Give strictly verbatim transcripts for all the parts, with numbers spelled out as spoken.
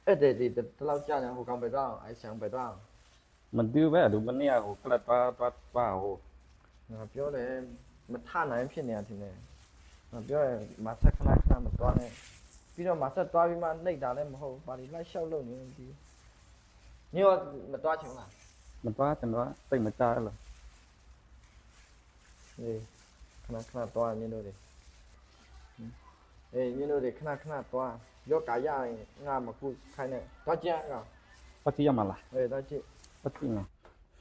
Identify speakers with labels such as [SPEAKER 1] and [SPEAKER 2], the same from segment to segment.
[SPEAKER 1] အဲ့ဒီဒီတလောက်ကြာနေဟိုကောင်ပဲတော့အဲ့ဆောင်ပဲတော့
[SPEAKER 2] mình tiêu bé đủ bên này hồ cái là ba ba ba hồ
[SPEAKER 1] ငါပြောတယ်မထနိုင်ဖြစ်နေတာထင်တယ်ငါပြောတယ်မဆက်ခဏခဏမသွားနဲ့ပြီးတော့မဆက်သွားပြီးမှနှိပ်တာလည်းမဟုတ်ပါဒီလိုက်လျှောက်လို့နေဒီညောမသွားချင်လား
[SPEAKER 2] mình quá thành đó tình mà cha rồi
[SPEAKER 1] အေးခဏခဏသွားညတို့တွေအေးညတို့တွေခဏခဏသွားရောကာရရင်ငါမခုခိုင်းနဲ့သွားကြကောင်
[SPEAKER 2] bắt chi mà là
[SPEAKER 1] အေးသွားကြည့်
[SPEAKER 2] bắt chi nào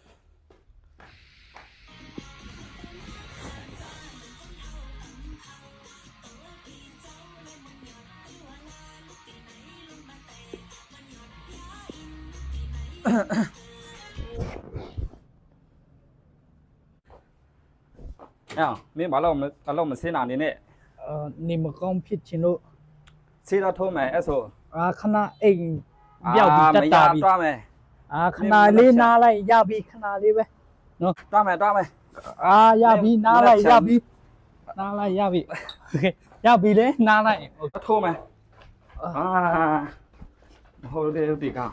[SPEAKER 2] à mình bảo là mình bảo là mình sẽ làm đi nè
[SPEAKER 3] เอ่อนี่มันก็ผิดชิโน
[SPEAKER 2] sẽ ra thôi mày eso
[SPEAKER 3] อ่าคณะเองยาวบีจัต
[SPEAKER 2] mày
[SPEAKER 3] ตา
[SPEAKER 2] ra
[SPEAKER 3] บี
[SPEAKER 2] toa mày
[SPEAKER 3] อ่าคณะลีนาไลยาวบีคณะลีเว้ย
[SPEAKER 2] toa mày toa mày
[SPEAKER 3] อ่ายาวบีนาไลยาวบีนาไลยาวบีโอเคยาวบีเลยนาไล
[SPEAKER 2] thôi mày à hồi đây thì cao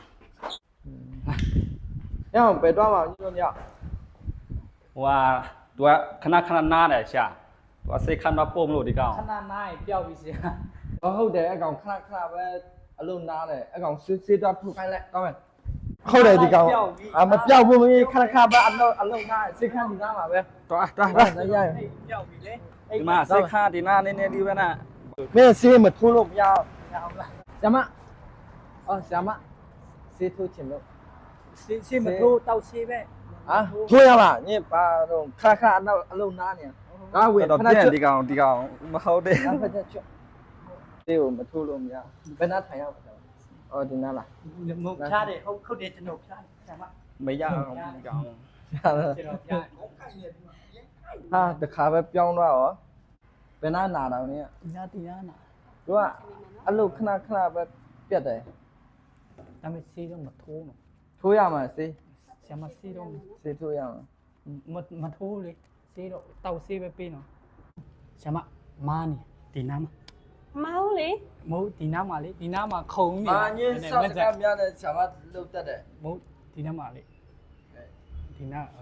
[SPEAKER 1] ညောပဲသွားပါညတို့ည
[SPEAKER 2] ว่าตัวคณะคณะหน้าเนี่ยใช่ตัวเซคันมาโป้มโลดีก้าว
[SPEAKER 3] คณะนายเปียวบีเสีย
[SPEAKER 1] ဟုတ်တယ်အကောင်ခဏခဏပဲအလုံးနားတယ်အကောင်စစ်စစ်တော့ဖုတ်ခိုင်းလိုက်ကောင်းမယ်ဟုတ်တယ်ဒီကောင်အာမပြောက်ဘူးမင်းခဏခဏပဲအလုံးအလုံးနားစစ်ခန်းဒီနားမှာပဲ
[SPEAKER 2] ตัวตัว
[SPEAKER 1] ဟုတ်တယ်ရရ
[SPEAKER 3] เปียวบีเลย
[SPEAKER 2] ဒီမှာเซคันดีหน้าเนี่ยเนี่ยดีไปนะ
[SPEAKER 1] မင်းစေးမထိုးလို့မရ
[SPEAKER 3] ยาวละ
[SPEAKER 1] ဆရာမအော်ဆရာမစေးထိုးချင်လို့
[SPEAKER 3] ซิซิมันโตเต้าซีเว้ย
[SPEAKER 1] ဟာထိုးရလားညပါတော့ခဏခဏအလုံးအလုံးနားနေကားဝေ
[SPEAKER 2] ตัว
[SPEAKER 1] ခဏ
[SPEAKER 2] เปลี่ยน
[SPEAKER 1] ချွတ်
[SPEAKER 2] ดีก้าวดีก้าวมาเข้าได้
[SPEAKER 1] ခဏချွတ်စေးကိုမထိုးလို့မရဘယ်နာထိုင်ရအောင်အော်ဒီနားလား
[SPEAKER 3] มุกชาเด้เขาเขาเดชนกชาใช่มั้ย
[SPEAKER 2] ไม่ยากดีก้าว
[SPEAKER 3] เจนกชา
[SPEAKER 1] ဟာတခါပဲပြောင်းသွားရောဘယ်နာနာတော့နည်း
[SPEAKER 3] ตีนาตีนาน่ะ
[SPEAKER 1] သူကအလုခဏခဏပဲပြတ်တယ်
[SPEAKER 3] แต่ไม่ซีต้องมาโทเนาะ
[SPEAKER 1] ထိုးရမှာစေး
[SPEAKER 3] เสียมาซีต้อง
[SPEAKER 1] စေးထိုးရမှာ
[SPEAKER 3] มามาโทเลยซีတော့เต้าซีไปปีเนาะใช่มั้ยมานี่ตีน้ำ
[SPEAKER 4] မဟုတ်လေ
[SPEAKER 3] မဟုတ်ဒီနားမှာလေဒီနားမှာခုံနေ
[SPEAKER 1] အာညင်းဆောက်ကများတဲ့ဆာမလုတ်တတ်တယ်
[SPEAKER 3] မဟုတ်ဒီနားမှာလေဒီနား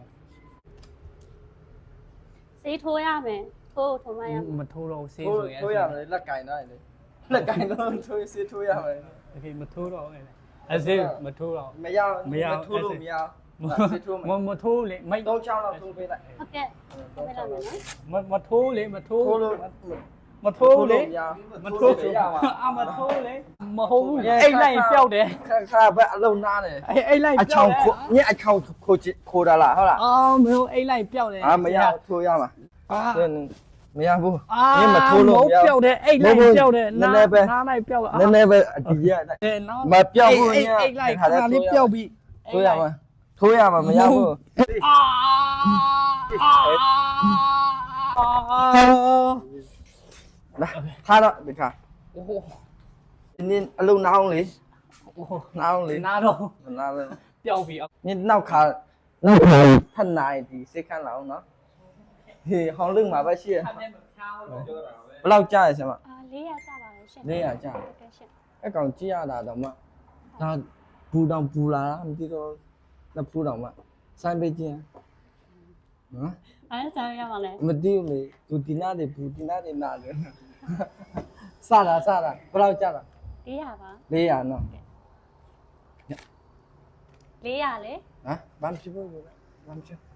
[SPEAKER 4] စေးထိုးရမယ်ထိုးထိုးမရမယ်
[SPEAKER 3] မထိုးတော့ဆေး
[SPEAKER 1] ထိုး
[SPEAKER 3] ဆိုရင်
[SPEAKER 1] ထိုးရမယ်လက်ကင်တော့လေလက်ကင်တော့ထိုးစေးထိုးရမယ်
[SPEAKER 3] โอเคမထိုးတော့အဲ့အဆေးမထိုးတော့
[SPEAKER 1] မရထိုးလို့မရစေးထိုး
[SPEAKER 3] မ
[SPEAKER 1] မယ်
[SPEAKER 3] မထိုးလေမိုက်
[SPEAKER 1] တော့ချောင်းတော့ထိုးပေးလိုက်
[SPEAKER 4] ဟုတ်ကဲ့ထိုးပေးလိုက်မယ်နော်
[SPEAKER 3] မမထိုးလေမထိုး
[SPEAKER 1] ထိုးလို့
[SPEAKER 3] မထိုးလေမထိုး
[SPEAKER 1] ရမှာ
[SPEAKER 3] အာမထိုးလေမဟုတ်ဘူးအိတ်လိုက်ပျောက်တယ်
[SPEAKER 1] ခါခါပဲအလုံးနားတယ်
[SPEAKER 3] အဲ့အိတ်လိုက်
[SPEAKER 1] အချောင်းခိုးညအချောင်းခိုးခိုးတာလားဟုတ်လား
[SPEAKER 3] အော်မဟုတ်အိတ်လိုက်ပျောက်တယ်
[SPEAKER 1] အာမရထိုးရမှာ
[SPEAKER 3] အာ
[SPEAKER 1] မရဘူး
[SPEAKER 3] အာ
[SPEAKER 1] ညမထိုးလို့မရ
[SPEAKER 3] ပျောက်တယ်အိတ်လိုက်ပျောက်တယ်နားနားလိုက်ပျောက်
[SPEAKER 1] နည်းနည်းပဲအတီးရ
[SPEAKER 3] တယ်နော်
[SPEAKER 1] မပြောက်ဘူးည
[SPEAKER 3] အိတ်လိုက်ခါလေးပျောက်ပြီ
[SPEAKER 1] ထိုးရမှာထိုးရမှာမရဘူး
[SPEAKER 3] အာအာ
[SPEAKER 1] လာထားတော့ဒီခါ
[SPEAKER 3] โอ้โห
[SPEAKER 1] နင်းအလုံးနောင်းလေ
[SPEAKER 3] โอ้โห
[SPEAKER 1] နောင်းလေ
[SPEAKER 3] နားတော့
[SPEAKER 1] နောင်းလေ
[SPEAKER 3] ပျောက်ပြီ
[SPEAKER 1] နင်းနောက်ခါနောက်ခါထပ်နိုင်ဒီစိတ်ခန့်လာအောင်နော်ဟေးဟောင်းလင်းမှာပဲရှိရ
[SPEAKER 3] ခါနဲ့မဖြားလို့ပြောတာပဲ
[SPEAKER 1] ဘယ်လောက်ကြားရစမ်းမ
[SPEAKER 4] အာလေးရကြပါလေရှင်
[SPEAKER 1] လေးရကြား
[SPEAKER 4] ဟုတ်ကဲ့ရှင်
[SPEAKER 1] အကောင်ကြည့်ရတာတော့မှဒါဘူးတောင်ပူလာတာမသိတော့နှစ်ဖူးတောင်မှစိုင်းပေးခြင်းနော်
[SPEAKER 4] အဲ့ဒါရပါလေ
[SPEAKER 1] မသိဘူးလေသူဒီနာတွေဘူးဒီနာတွေနာတယ်စတာစတာဘယ်လောက်ကြားတာ
[SPEAKER 4] လေးရပါ
[SPEAKER 1] လေးရနော်
[SPEAKER 4] လေးရလေ
[SPEAKER 1] ဟမ်ဘာမှဖြစ်ဘူးလေဘာမှဖြစ်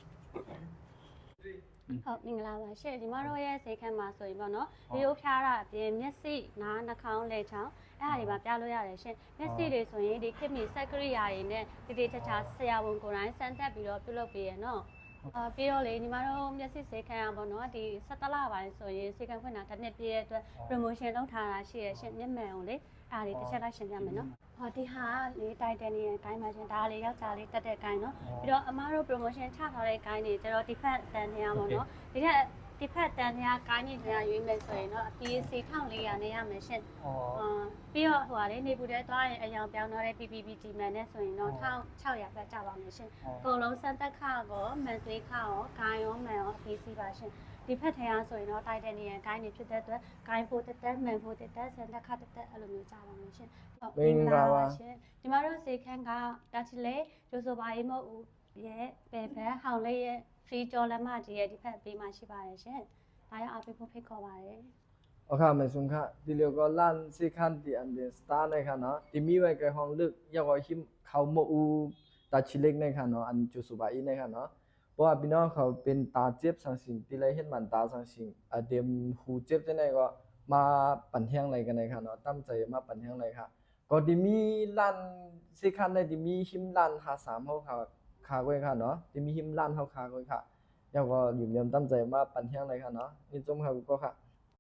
[SPEAKER 4] ဟုတ်မင်္ဂလာပါရှင်ဒီမတို့ရဲ့စိတ်ခန်းမှာဆိုရင်ပေါ့နော်ဒီလိုဖျားတာအပြင်မျက်စိနားနှာခေါင်းလက်ချောင်းအဲ့ဒါတွေပါပြလို့ရတယ်ရှင်မျက်စိတွေဆိုရင်ဒီခေတ်မီစက်ကရိယာတွေနဲ့တိတိကျကျဆရာဝန်ကိုယ်တိုင်စမ်းသပ်ပြီးတော့ပြုလုပ်ပေးရနော်အာပြီးတော့လေညီမတို့မျက်စိစိတ်ခန်းအောင်ပေါ့နော်ဒီစက်တလပိုင်းဆိုရင်စိတ်ခန်းဖွင့်တာတစ်နှစ်ပြည့်ရဲ့အတွက် promotion လုပ်ထားတာရှိရရှင်မျက်မှန်အောင်လေအားလေးတစ်ချက်လိုက်ရှင်းပြမယ်နော်ဟောဒီဟာလေးတိုက်တယ်နေအတိုင်းပါရှင်ဒါလေးယောက်ျားလေးတက်တဲ့ကိုင်းနော်ပြီးတော့အမားတို့ promotion ချထားတဲ့ကိုင်းတွေကျတော့ဒီဖက်တန်နေရပါတော့ဒီထက်ဒီဖက်တန်နေရကိုင်းနေနေရရွေးမယ်ဆိုရင်တော့အပြေးစီထောင်လေးရနေရမယ်ရှင်
[SPEAKER 3] อ๋อ
[SPEAKER 4] အာပြီးတော့ဟိုဟာလေနေပူတဲ့သွားရင်အယောင်ပြောင်းတော့တဲ့ P P P G မှန်နဲ့ဆိုရင်တော့တစ်ထောင်ခြောက်ရာပဲကြပါမယ်ရှင်အကုန်လုံးစမ်းသက်ခါကောမန်သွေးခါရောဂိုင်းရောမှန်ရောအပြေးစီပါရှင်ဒီဖက်ထဲအားဆိုရင်တော့တိုက်တဲ့နေရာဂိုင်းနေဖြစ်တဲ့အတွက်ဂိုင်းဖို့တက်တက်မှန်ဖို့တက်တက်ဆန်တက်ခတက်တက်အဲ့လိုမျိုးကြားပါမယ်ရှင်ရှင်ဒီမှာတော့စေခန်းကတာချီလေကျိုးဆိုပါရေးမဟုတ်ဦးရဲ့ပဲဘက်ဟောင်လေးရဲ့ free ကြော်လက်မကြီးရဲ့ဒီဖက်ပေးမှရှိပါတယ်ရှင်ဒါရအားပေးဖို့ဖိတ်ခေါ်ပါတယ်
[SPEAKER 1] โอเคไม่สุงค่ะดิเลียวก็ลั่นสิคันที่อันเดสตาร์ในค่ะเนาะที่มีไว้กับห้องลึกยาวหิมเขาโมอูตาชิเล็กในค่ะเนาะอันจูสุบาอีในค่ะเนาะเพราะว่าพี่น้องเขาเป็นตาเจ็บสังสิงที่ไรเห็นมันตาสังสิงอ่ะเดมหูเจ็บที่ไหนก็มาปั่นเฮียงอะไรกันในค่ะเนาะตั้งใจมาปั่นเฮียงอะไรค่ะก็ที่มีลั่นสิคันในที่มีหิมลั่นหาสามเขาค่ะขาไว้ค่ะเนาะที่มีหิมลั่นเขาขาไว้ค่ะยาวก็อยู่ยามตั้งใจมาปั่นเฮียงอะไรค่ะเนาะนี่จมเขาก็ค่ะ